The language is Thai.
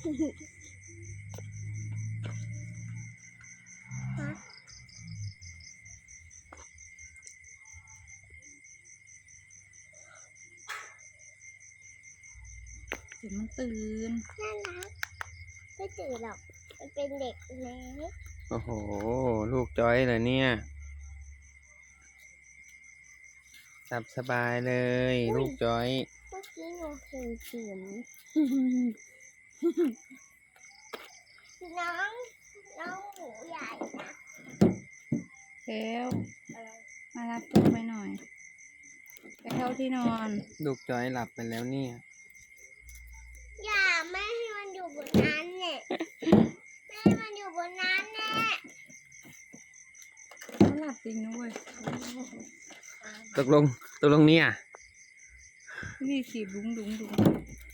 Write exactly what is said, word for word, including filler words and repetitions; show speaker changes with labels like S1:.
S1: เดี๋ยวมันตื่น
S2: น่ารักไม่ตื่นหรอกมันเป็นเด็กเล็ก
S3: โอ้โหลูกจอยเหรอเนี่ยหลับสบายเลยลูกจอย
S2: เมื่อกี้หนูเห็นเสียงน้องน้องหมูใหญ่นะ
S1: เทลมารับตัวไปหน่อยไปเข้าที่นอน
S3: ลูกจอยหลับไปแล้วเนี่ย
S2: อย่าไม่ให้มันอยู่บนนั้นเนี่ยไม่ให้มันอยู่บนนั้นแน่
S1: เขาหลับจริงนะเว้ย
S3: ตกลงตกลงเนี่ย
S1: นี่ขีบดุ้งดุ้งดุ้ง